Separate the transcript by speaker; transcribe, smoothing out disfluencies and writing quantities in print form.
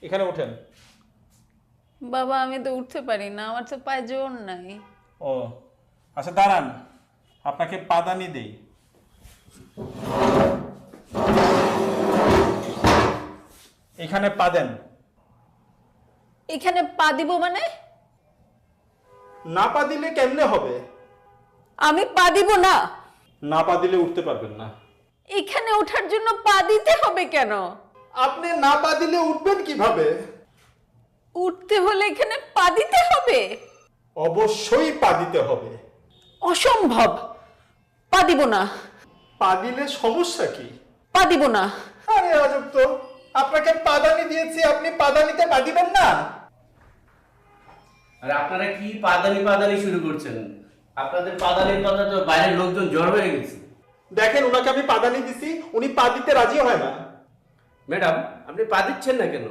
Speaker 1: এখানে ওঠেন।
Speaker 2: বাবা আমি তো উঠতে পারি না, আমার তো পায়ে জোর নাই।
Speaker 1: ও আচ্ছা দাঁড়ান, আপনাকে পাদানি দেই। এখানে পা দেন।
Speaker 2: এখানে পা দিব মানে?
Speaker 1: না পা দিলে কেমনে হবে?
Speaker 2: আমি পা দিব না।
Speaker 1: না পা দিলে উঠতে পারবেন না।
Speaker 2: এখানে ওঠার জন্য পা দিতে হবে কেন?
Speaker 1: আপনি না পা দিলে উঠবেন কিভাবে?
Speaker 2: উঠতে হলে এখানে পা দিতে হবে?
Speaker 1: অবশ্যই পা দিতে হবে।
Speaker 2: অসম্ভব, পা দিব না।
Speaker 1: পা দিলে সমস্যা কি?
Speaker 2: পা দিব না।
Speaker 1: আরে আজব তো, আপনাকে পাদানি দিয়েছি, আপনি পাদানিতে পা দিবেন না?
Speaker 3: আর আপনারা কি পাদানি শুরু করছেন? আপনাদের পাদানির কথা তো বাইরের লোকজন জড় হয়ে গেছে।
Speaker 1: দেখেন ওনাকে আমি পাদানি দিছি, উনি পা দিতে রাজি হয় না।
Speaker 3: ম্যাডাম, আপনি পা দিচ্ছেন না কেন?